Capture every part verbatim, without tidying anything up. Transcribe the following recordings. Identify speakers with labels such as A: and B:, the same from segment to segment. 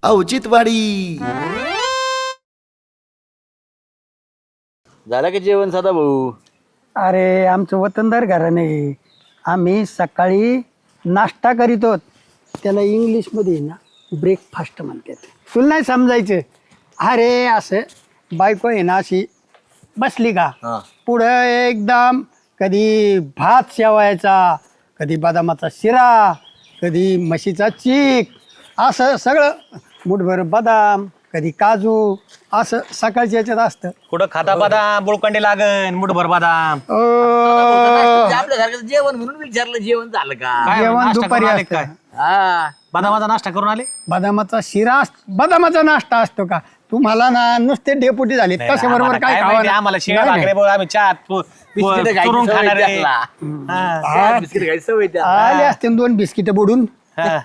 A: औचित्यवाडी.
B: झालं की जेवण सदा भाऊ?
C: अरे आमचं वतनदार घराणे. आम्ही सकाळी नाश्ता करीतो, त्याला इंग्लिशमध्ये ना ब्रेकफास्ट म्हणतात. तुला नाही समजायचं. अरे असं बायको आहे ना अशी बसली का पुढं एकदम कधी भात शेवायचा, कधी बदामाचा शिरा, कधी म्हशीचा चीक, असं सगळं मुठभर बदाम, कधी काजू, असं सकाळच्या याच्यात असतं.
D: कुठं खाता बदाम बुळकंडी लागन मुठभर बदाम.
C: अ,
B: आपल्यासारखं जेवण म्हणून विचारलं, जेवण झालं का?
D: काय
C: जेवण
D: नाश्ता
C: दुपारी
D: करून आले
C: असतं.
D: काय?
B: हा,
D: बदामाचा नाश्ता करून आले?
C: बदामाचा शिरा अस- बदामाचा नाश्ता असतो का? तुम्हाला ना नुसते डेपुटी झाले
D: नाही,
C: तसे बरोबर
D: आम्हाला
C: काय
D: काय
C: खावं
D: माहिती,
C: ना?
D: आम्हाला शिळ्या
C: नाही,
D: भाकरे
C: नाही.
D: बघ, आम्ही चहा तु-
B: बिस्किटं खायची
D: चुरून
B: सवय
D: खाणार आहे.
B: त्याला.
D: हा,
B: चहा, बिस्किट खायची सवय त्याला.
C: आले असते दोन बिस्किट बुडून.
D: हा.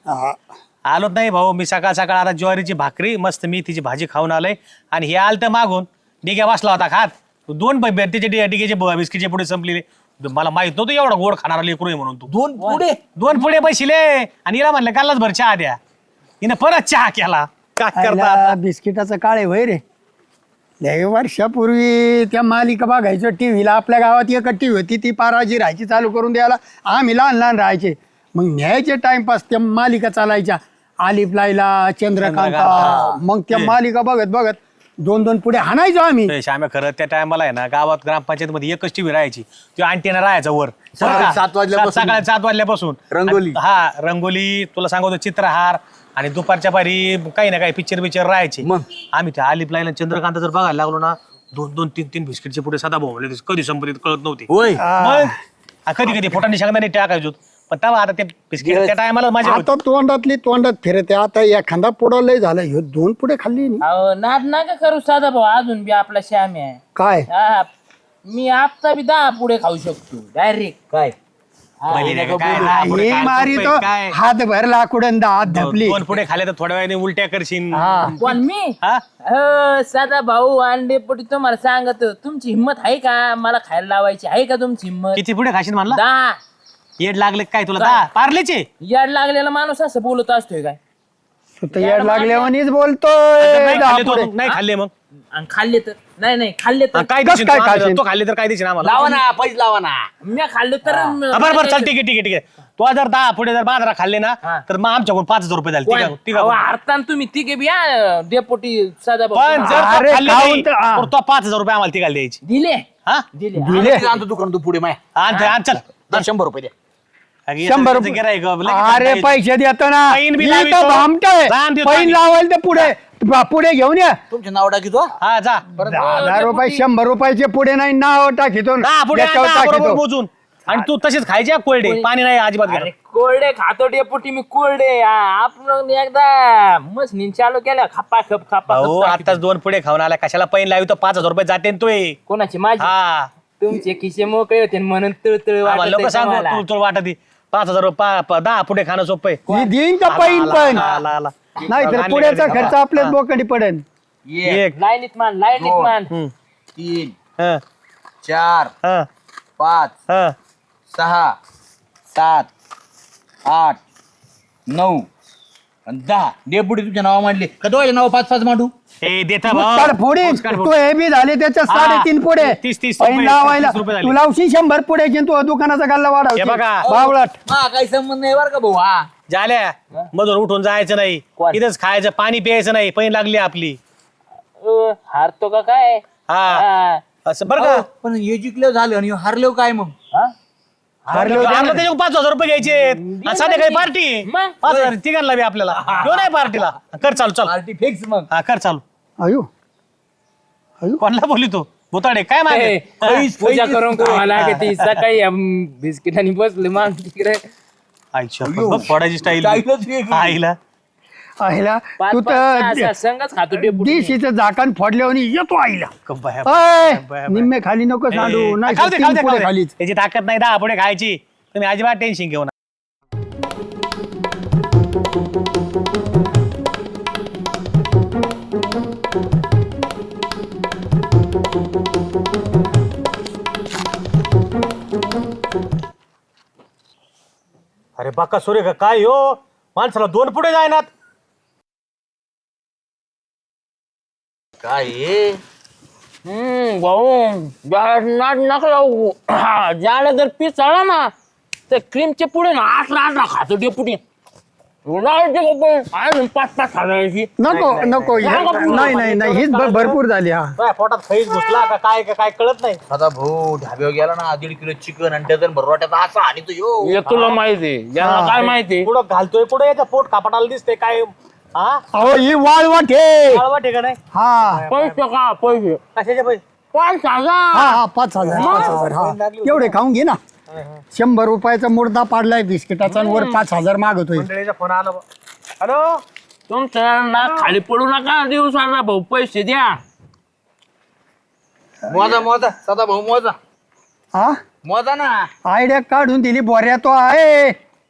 D: आलोच नाही भाऊ, मी सकाळ सकाळ आता ज्वारीची भाकरी मस्त मेथीची भाजी खाऊन आलोय आणि हे आलं तर मागून डिग्या बसला होता खात. दोन त्याचे डिग्याचे बिस्किटचे पुढे संपलेले. मला माहित नव्हतं एवढा गोड खाणारा लेकरू आहे म्हणून. तू
B: दोन पुढे
D: दोन पुढे बसले आणि हिला म्हणलं कालच भर चहा द्या. हिनं परत चहा केला. काय करता
C: आयला
D: आता?
C: बिस्किटाचं काळे वय रे. लय वर्षापूर्वी त्या मालिका बघायचो टीव्हीला. आपल्या गावात एक टीव्ही होती, ती पाराजी राहायची चालू करून द्यायला. आम्ही लहान लहान राहायचे, मग न्यायचे टाइमपास त्या मालिका चालायच्या. आलिफ लायला, चंद्रकांता. मग त्या मालिका बघत बघत दोन दोन पुढे हाणायचो आम्ही.
D: ए, श्याम्या, खरं त्या टायमाला आहे ना गावात ग्रामपंचायत मध्ये एकच टीव्ही राहायची. तो अँटीना राहायचा वर.
B: सकाळी सात वाजल्यापासून.
D: सात- सकाळी सात वाजल्यापासून
B: रंगोली.
D: आणि- हा रंगोली, तुला सांगतो चित्रहार, आणि दुपारच्या पारी काही ना काही पिक्चर बिक्चर राहायचे.
B: मग?
D: आम्ही त्या आलिफ लाईन चंद्रकांत जर बघायला लागलो ना, दोन दोन तीन तीन बिस्किटचे पुढे सदा भोवले कधी संपत्तीत कळत नव्हते.
B: होय.
D: मग कधी कधी पोटाने शेंगदाणे टाकायचो. पण तेव्हा आता ते बिस्किट त्या टायमाला माझ्या
C: आता तोंडातली तोंडात फिरते. आता एखादा पुढं लय झालं, ह्यो दोन पुढे खाल्ली नी.
E: अहो नाद नका करू साधा भाऊ, अजून बी आपला श्याम आहे.
C: काय
E: हा, मी आता बी दहा पुढे खाऊ शकतो डायरेक्ट.
B: काय
C: हे मारी तो हात भरला कुडन हात धपली.
D: दोन पुढे खाले तर थोड्या वेळाने उलट्या करशील.
E: पण मी
D: हा?
E: अहो, साधा भाऊ अंडे पोटी तुम्हाला सांगत, तुमची हिंमत आहे का मला खायला लावायची? आहे का तुमची हिंमत?
D: किती पुढे खाशील म्हणला?
E: दहा.
D: येड लागले काय तुला? दहा पार्लेचे?
E: याड लागलेला माणूस असं बोलत असतोय काय?
C: तू तर येड लागल्यावानीच बोलतोय.
D: नाही
C: दहा
D: खाल्ले तो,
C: पुढे.
D: नाही खाल्ले मग
E: आणि खाल्ले तर नाही नाही खाल्ले तर
D: काय
C: कस
D: देशील
C: काय
D: तू?
C: खाशील?
D: तो खाल्ले तर काय देशील आम्हाला?
B: लावा ना, पैसे लावा ना.
E: मी खाल्ले तर
D: हा, बरं बरं चल ठीक आहे ठीक आहे ठीक आहे. तो जर दहा पुढे जर बाजारा खाल्ले ना
E: हा.
D: तर मग आमच्याकडून पाच हजार रुपये झाले. ठीक आहे, ठीक
E: अहो,
D: आहे.
E: हरताना तुम्ही तिघे बी या डेपोटी साधा
D: पण
E: भाऊ.
D: जर
C: अरे,
D: तो खाल्ले
C: खाऊन
D: नाही,
C: तर- हा.
D: तर तो पाच हजार रुपये आम्हाला तिघाला द्यायची.
E: दिले
D: हा
E: दिले
C: दिले.
B: किती आणतो दुकान तू पुढे माय?
D: आण ते, आण, चल
B: दर शंभर रुपये द्या.
D: अगे,
C: शंभर
D: याचं
C: रुपये.
D: गिऱ्हाईक, लगेच
C: अरे
D: द्यायचं.
C: पैसे देतो ना.
D: पैन बी
C: मी
D: लावितो.
C: तर भामटोय.
D: जाण देतो
C: पैन
D: आम्ही.
C: लावायला तर पुढे बा- पुढे घेऊन या.
B: तुमचे नाव टाकीतो.
D: हा जा
C: दहा रुपये शंभर रुपयाचे पुढे नाही नाव टाकीतो.
D: दहा पुढे आण,
C: याच्यावर
D: दहा बरोबर
C: टाकीतो.
D: मोजून. आणि तू तसेच खायचे हा कोरडे, पाणी नाही अजिबात
E: अरे
D: घ्यायचं.
E: कोरडे खातो डेपुटी मी कोरडे. आ, आपण एकदा मशीन चालू केल्या खापा खप खापा
D: हो
E: खप
D: आताच दोन पुढे खाऊन आला, कशाला पैन लावी? तो पाच हजार रुपये जाते ना तोय.
E: कोणाची माझी?
D: हा
E: तुमचे खिसे मोकळे होते म्हणून तळतळ
D: आम्हाला लोक
E: वाटत
D: सांगू
E: मला.
D: तू तुला वाटत पाच हजार रुपये पा- पा- दहा पुढे खाणं सोपं आहे.
C: मी देईन का पैन पण
D: आला, आला.
C: नाही तर पुढ्याचा खर्च आपल्याच बोकडी पडेल.
B: एक,
D: एक
E: लाईनीत मान लाईनीत
B: दोन.
E: मान.
D: हम्म.
B: तीन,
D: हं,
B: चार,
D: हं,
B: पाच,
D: हं.
B: सहा, सात, आठ, नऊ आणि दहा. डेपुटी तुझ्या नाव मांडले का? दोघांचे नाव पाच पाच मांडू.
D: ए देता
C: मुस्काड फोडीन. तू हे बी झाले त्याच्या
D: हा.
C: साडेतीन पुढे.
D: तीस- तीस
C: पैन
D: रुपये,
C: लावायला
D: तीस रुपये झाले.
C: तू लावशी शंभर पुढे तू दुकानाचा गल्ला
D: हे
C: वाढव
D: बघा.
C: बावळट.
B: हा, काही संबंध नाही बरं का भाऊ. हा,
D: झाल्या मधून उठून जायचं नाही,
E: कोण?
D: इथंच खायचं, पाणी प्यायचं नाही, पैन लागली आपली.
E: अ, हारतो का काय?
D: हा
E: हा.
D: असं बरं
B: अहो,
D: का?
B: पण हे जिंकले झालं आणि हारले काय मग?
E: हा?
C: हारलो
D: आम्हाला त्याच्यावर पाच हजार रुपये घ्यायचे. साधे काही पार्टी
E: मग?
D: पाच हजार तिघांना बी आपल्याला घेऊन आहे पार्टीला. कर चालू चल.
B: पार्टी फिक्स मग.
D: हा कर चालू.
C: अयो
D: कोणाला बोली तो भोताडे काय मागे?
E: ए, पैस पूजा करून मला ती सकाळी बिस्किट आणि बसले मान तिकडे.
D: आईच्या बघ फोडायची स्टाईल
B: स्टाईलच वेगळी.
D: आईला.
C: आईला
E: पाच
C: तू
E: पाच सहा
C: तर
E: सहा संघच खातो डेपुटी.
C: दिशीचं झाकण फोडल्यावर येतो आईला.
D: कब्बाया.
C: अय,
D: बाय.
C: निम्मे खाली नको सांडू.
D: ए,
C: नाही
D: खाऊ दे, खाऊ दे,
C: तीन
D: खाऊ
C: पुढे
D: दे.
C: खालीच.
D: त्याची ताकद नाही दहा पुढे खायची. तुम्ही अजिबात टेन्शन घेऊ नका. अरे बाका सुरे का काय हो, माणसाला दोन पुढे जायनात.
B: काय हे?
E: हम्म भाऊ नाट नका लावू ज्याला जर पीस आला ना तर क्रीमचे पुढे ना आठला आठला खातो डेपुटी पाच पाच हजाराची
C: नको नको नाही नाही नाही हीच भ- भरपूर झाली हा
D: काय पोटात खैस घुसला का काय का काय कळत नाही.
B: सदा भाऊ ढाब्यावर गेला ना दीड किलो चिकन आणि डझन भरवाट्याचा असा आणि तो यो
E: हे तुला माहिती ज्याला काय माहिती
D: पुढं घालतोय पुढे याच्या पोट कापडाला दिसते काय हा
C: अहो ही वाळवाट हे
D: कळवा ठिकाण आहे
C: हा
E: पैसे का पैसे
D: कशाचे पैसे
E: पाच
C: हा
E: हजार
C: हा पाच हजार पाच हजार हा एवढे खाऊन घे ना शंभर रुपयाचा मुर्दा पाडलाय बिस्किटाचा आणि वर पाच हजार मागतोय
D: मंडळीचा फोन आला बा. हॅलो
E: तुमचं ना खाली पडू नका दिवसाला भाऊ पैसे द्या
B: मोजा मोजा सदा भाऊ मोजा
C: हा
B: मोजा ना.
C: आयडिया काढून दिली बोऱ्या तो आहे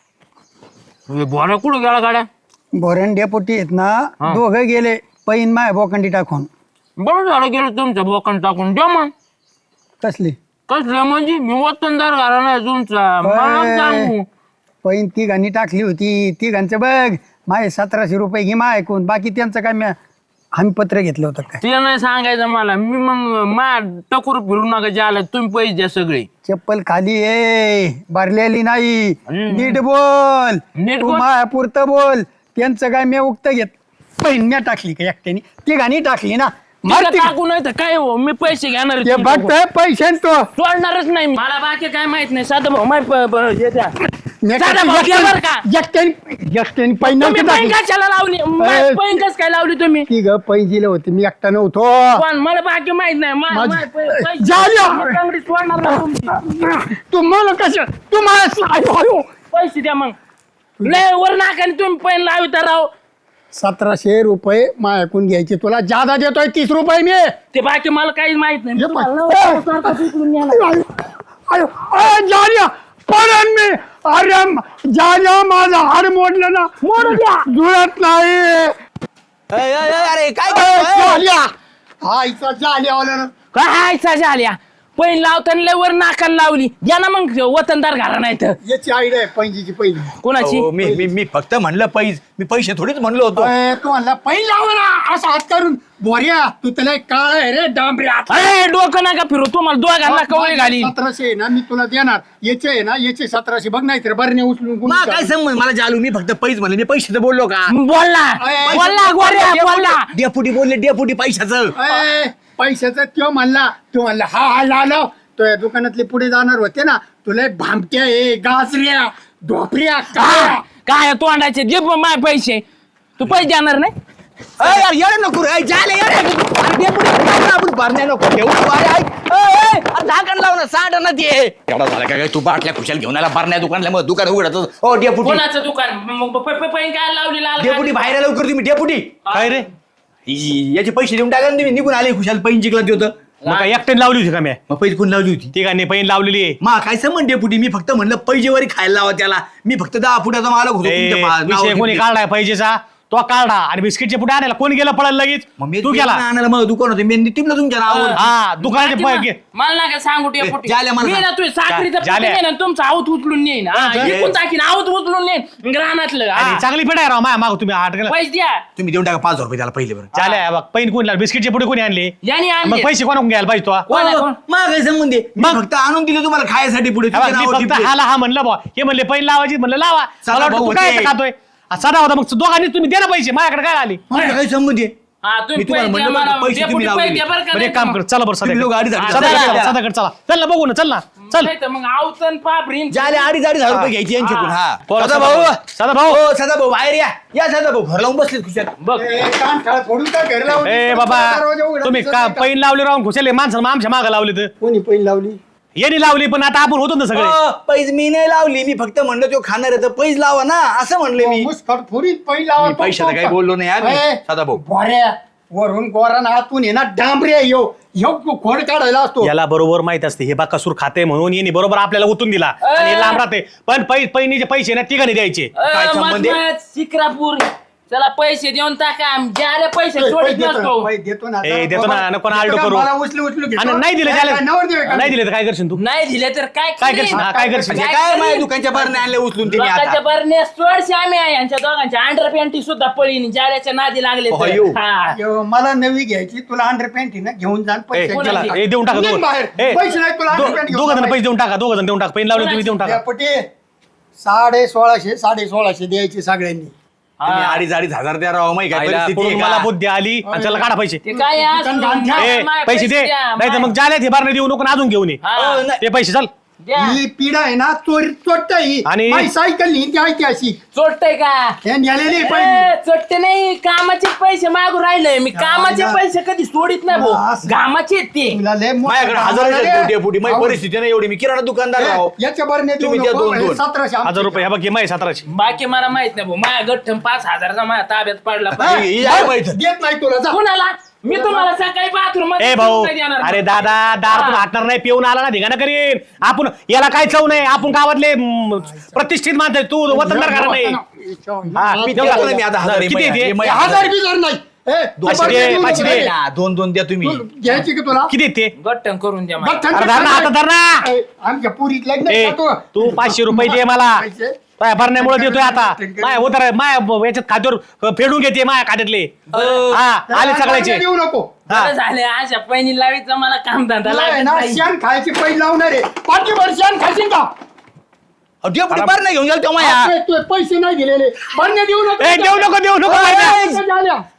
E: बोरा कुठं गेला गाड्या
C: बोऱ्यान डेपोटी आहेत ना दोघं गेले पैन माय बोकंडी टाकून
E: बरं झालं गेलं तुमच्या बोकन टाकून द्या मग
C: कसली
E: कसलं म्हणजे मी वतनदार घरा नाही तुमचा मला सांगू
C: पैन तिघांनी टाकली होती तिघांचं बघ माय सतराशे रुपये घे मा ऐकून बाकी त्यांचं काय म्या हमी पत्र घेतलं होतं काय
E: ते नाही सांगायचं मला मी मग मा टकोर फिरू नका ज्याला तुम्ही पैसे द्या सगळे
C: चप्पल खाली ये भरलेली नाही नीट बोल
E: नीट
C: तू
E: बोल.
C: मायापुरतं बोल त्यांचं काय मी उक्त घेत पैन म्या टाकली का एकट्याने तिघांनी टाकली ना मार
E: तिला
C: तिघ-
E: टाकू नाही तर काय हो मी पैसे घेणार आहे
C: ते
E: तुमच्याकडून.
C: बघतोय पैसे तो
E: सोडणारच नाही मी. मला बाकी काय माहित नाही साधं भाऊ माय प- प- हे द्या.
C: म्या
E: चला
C: टाकली
E: भाऊ, घ्या बरं का?
C: एकट्याने एकट्याने- एकट्याने पैन
E: तुम्ही
C: नव्हती
E: पैन
C: टाकली
E: कशाला लावली
C: ए,
E: पैन कस काय लावली तुम्ही
C: तिघ पैन दिले होते मी एकटा नव्हतो
E: पण मला बाकी माहित नाही मा-
C: माझी-
E: माय पै- पैसे-
C: झालं.
E: मी चांगली सोडणार नाही तुमची.
C: तू मला कसं तू मला आयो, आयो.
E: पैसे द्या मग लय वर नाकाने तुम्ही पैन लाविता राव
C: सतराशे रुपये मायाकून घ्यायचे तुला जादा देतोय तीस रुपये मी
E: ते बाकी मला काहीच माहित नाही मी
C: हे
E: तुम्हाला
C: पाय.
E: नवरा सारखा तिकडून नेला.
C: आयो, आयो, आयो, जाण्या पडन मी अरे म- जाण्या माझं हाड मोडलं ना मोड द्या जुळत नाही
B: अय, अय, अय, अरे काय
C: ए,
B: करतोय?
C: जाण्या हा इथं जाण्या आला ना
E: काय साजा आल्या पैन लावताना लय वर नाकाला लावली द्या ना मग वतनदार घरा नाही तर
C: याची आयडिया आहे पैंजीची पहिली
E: कोणाची
B: अहो, मी मी मी फक्त म्हणलं पैस मी पैसे थोडीच म्हणलो होतो.
C: अय, तू म्हणला पैन लाव ना असं हात करून बोऱ्या तू त्याला एक काळ आहे रे डांबऱ्या
E: अरे डोकं नका फिरू तुम्हाला दोघांना कवळी घाली
C: सतराशे आहे ना मी तुला देणार याचे आहे ना याचे सतराशे बघ नाही तर बरणे उचलून
B: मा
C: गुंडी
B: काय
C: टाक.
B: संबंध मला जालू मी फक्त पैस म्हणले मी पैशाचं बोललो का?
E: बोलला
C: अय,
E: बोलला गोऱ्या बोलला
B: डेपुटी बोलले डेपुटी पैशाचं.
C: अय, पैशाचा त्यो म्हणला तो म्हणला हा हा लालो तो या दुकानातले पुढे जाणार होते ना तुला एक भामट्या आहे गाजऱ्या ढोपऱ्या काय
E: हा, काय तोंडाचे दे पण माय पैसे तू पैसे देणार नाही
B: अय, यार येडे नको रे, अय, जाले येडे. अरे डेपुटी काय ना आपण भरण्या नको ठेवू तू, अरे, ऐक. अय, अय, अरे झाकण लाव ना साठ ना ते एवढा झाला काय काय तू बाटल्या खुशाल घेऊन आला भरण्या दुकानला मग दुकान उघडत ओ डेपुटी
E: कोणाचं दुकान मग प- प- पैन काय लावली लाल
B: डेपुटी बाहेर लवकर तुम्ही डेपुटी
D: काय रे
B: इ- याचे पैसे देऊन टाका ना तुम्ही निघून आले खुशाल पैन जिंकला ते होतं
D: मग काय एकट्याने लावली होती का मी
B: मग पैसे कोण लावली होती
D: तिघांनी पैन लावलेली आहे
B: मा काय संबंध डेपुटी मी फक्त म्हणलं पैजेवारी खायला लावा त्याला मी फक्त दहा फुटाचा मालक होतो
D: ए,
B: तुमच्या पा-
D: विषय
B: नावावर
D: कोणी
B: घेतले.
D: काढलाय पाहिजेचा तो काढा आणि बिस्किटचे पुढे आणायला कोण गेला पळायला लगेच
B: मग मी
D: तू गेला
B: आणायला मग दुकान होते मी टिपलं तुमच्या नावावर
D: हा दुकानाचे पै- गे-
E: मला नका सांगू डेपुटी
B: जाल्या मला
E: मी ना
B: सांग.
E: तू साखरीचा
D: जा- जाल्या.
E: ना तुमचं आवत उचलून नेईन हा,
D: हा,
E: इकून टाकीन आवत उचलून नेईन ग्रानातलं हा.
D: आणि चांगली पेट आहे राव माया माग तुम्ही आठ गेला
E: पैसे द्या
B: तुम्ही देऊन टाका पाच हजार रुपये त्याला पहिले बरं
D: चालेल बघ पैन कोण लावले बिस्किटचे पुढे कोणी आणले
E: यांनी
D: मग
E: आणले
D: पैसे कोणा घ्यायला पाहिजे तो
E: कोण आहे, कोण?
B: मग काय संबंध आहे? मी फक्त आणून दिले तुम्हाला खायसाठी पुढे
D: हे बघ, मी फक्त हाला हा म्हणलं बा हे म्हणले पैन लावायची म्हणलं लावा
B: चला
D: मला वाटलं
B: भाऊ,
D: तू काय
B: होते.
D: खातोय आ, सदा होता मग दोघांनी तुम्ही द्या ना पैसे माझ्याकडे काय आली
B: मला काय संबंध आहे?
E: हा तुम्ही
B: मी तुम्हाला
E: पैसे द्या
B: म्हणलं
E: मला,
B: बरं, पैसे
E: डेपुटी
B: तुम्ही
E: पैसे
B: लावले.
E: द्या बरं का
D: बरं
E: नाही
D: एक काम कर चला बरं
B: तुम्ही लोक अडीच अडीच
D: सदा
B: हजार द्या.
D: सदाकडे चला चल ना बघू ना चल ना चल
E: नाही तर मग आवतन पापरीन
B: ज्याले अडीच अडीच हजार रुपये घ्यायचे यांच्याकडून हा
D: बोला,
B: सदा
D: सदा
B: भाऊ
D: भाऊ. सदा भाऊ.
B: हो सदा भाऊ बाहेर या या सदा भाऊ घर लावून बसलेत खुशाल
E: बघ
C: फोडून का घर लावून
D: ए बाबा
C: दरवाजा उघडा
D: तुम्ही
C: दिसत
D: का
C: नाही का?
D: पैन लावले राहून खुशाले माणसं मग आमच्या मागं लावले तर
C: कोणी पैन लावली
D: यांनी लावली पण आता आपण होतो ना सगळे
B: अ, पैज मी नाही लावली मी फक्त म्हणलं तो खाणार आहे तर पैज लावा ना असं म्हणले मी
C: मुस्कट फुरीत पैन लावा
B: मी पैशाचं काही बोललो नाही यार मी. सदा भाऊ
C: बोऱ्या वरून गोरा आतून ये ना डांबऱ्या यो ह्यो खोड काढायला असतो
D: याला बरोबर माहित असते हे बाकासूर खाते म्हणून यांनी बरोबर आपल्याला ओतून दिला आणि हे लांब राहते पण पै पैनीचे पैसे ना ठिकाणी द्यायचे
B: काय संबंध आहे?
E: शिक्रापूर चला पैसे देऊन टाका ज्याला पैसे सोडित नसतो
C: देतो ना
D: ए, देतो ना, नको ना आलटो करू.
C: मला उचलू उचलू घेतो.
D: आणि नाही दिले
C: काय-
D: त्याला
C: काय नवरदेव आहे का?
D: नाही दिले तर काय करशील तू
E: नाही दिले तर काय
D: काय
E: करीन?
D: करशील हा, काय करशील
B: म्हणजे काय माझ्या दुकानच्या बरण्या आणल्या उचलून तिने
E: लोकांच्या
B: आता
E: बरण्या सोडशे आम्ही आहे यांच्या दोघांच्या अंडर पॅन्टी सुद्धा पळीन जाल्याच्या नादी लागले तर.
B: अयो.
E: हा.
C: यो, मला नवी घ्यायची तुला अंडर पॅन्ट ना घेऊन जा आणि
D: ए,
C: पैसे
D: चला
C: घेऊन
D: ए, देऊन टाका
C: निघ
D: दोघं.
C: बाहेर.
D: ए,
C: पैसे नाही तुला
D: दो-
C: अंडर पॅन्ट
D: दोघं जण पैसे देऊन टाका दोघं जण देऊन टाका पेन लावले तुम्ही देऊन टाका
C: पटे साडे सोळाशे साडे सोळाशे द्यायचे सगळ्यांनी.
B: तुम्ही अडीच अडीच हजार द्या राव माहिती काय
D: आईला
B: परिस्थिती
D: पुढून
B: आहे
D: मला
B: का?
D: बुद्धी आली आणि त्याला काढा पैसे
E: ते काय आहे,
C: दुकान घाण ठेव.
E: माझे
D: ए,
E: माझे
D: पैसे दे
E: द्या,
D: नाही तर मग जाले ते बारणे देऊ नको आणि अजून घेऊन ये
E: हा.
B: अ, नाही.
D: ते पैसे चल
E: द्या.
C: ही पिढा आहे ना चोरी चोट्ट ही
D: आणि-
C: माझी सायकल ही ती ऐतिहासिक
E: चोरटय का
C: हे न्यालेली
E: ए,
C: पाहिजे
E: चोरटे नाही कामाचे पैसे मागू राहिले मी कामाचे
C: ना.
E: पैसे कधी सोडित नाही भाऊ
C: असं.
E: घामाचे आहेत ते
C: तुला लय मोठं
B: माझ्याकडे
C: काम
B: हजार
C: आहे रे.
B: फुटे फुटी माझी
C: अहो,
B: परिस्थिती नाही एवढी मी किराणा दुकानदार राव
C: ए, याच्या बरने देऊ
B: तुम्ही द्या
C: नको.
B: दोन-
C: हे
B: दोन.
C: सतराशे आमचे.
D: हजार रुपये ह्या बघ माय सतराशे
E: बाकी मला माहित नाही भाऊ माझ्या गठ्ठम पाच हजारचा माझ्या ताब्यात पडला
C: हा,
E: पाहिजे.
B: ही आहे माहित.
C: देत नाही तुला जा.
E: कुणाला मी तुम्हाला सकाळी बाथरूम
D: ए भाऊ अरे दादा दारातून हाटणार नाही पिऊन आला ना धिगाणं करीन आपण याला काय चव नाही आपण गावातले म, प्रतिष्ठित माणसं आहे. तू वतनदार घरा नाही हा,
B: मी
D: देऊ
B: देतो
D: का?
B: ना मी आता हजार
D: किती
B: आहे,
D: आहे ते?
B: हे माझे
C: हजार बिजार नाही ए,
B: दोन-
C: तू बरने
D: दे,
C: देऊ
D: पाचशे
C: नको.
D: दे.
C: ए,
B: ना, दोन दोन द्या तुम्ही
C: तू घ्यायची का तुला
D: किती आहेत ते
E: गठ्ठम करून द्या मला.
C: गठ्ठन-
D: अरे धर ना, आता धर ना.
C: ए, आमच्या पुरीत लग्न
D: ए
C: आहे का तू
D: तू पाचशे रुपये दे मला
C: पैसे?
D: काय भरण्यामुळे देतोय आता माय उतर माय याच्यात खात्यावर फेडून घेते माया खात्यातले हा आले सगळ्याचे
C: देऊ नको
D: हा.
E: बरं झाले अशा पहिली लावीचं मला काम धंदा
C: तुला आहे
E: लागत
C: ना
E: नाही.
C: शेण खायची पैसे लावणार आहे पाठीभर शेण खाशील का
B: अहो, डेपुटी बरण्या घेऊन गेल तेव्हा या
C: आपले तू पैसे नाही दिलेले बरने देऊ नको
D: ए, देऊ नको देऊ नको
C: ए,
D: माहिती
C: पैसे झाल्या.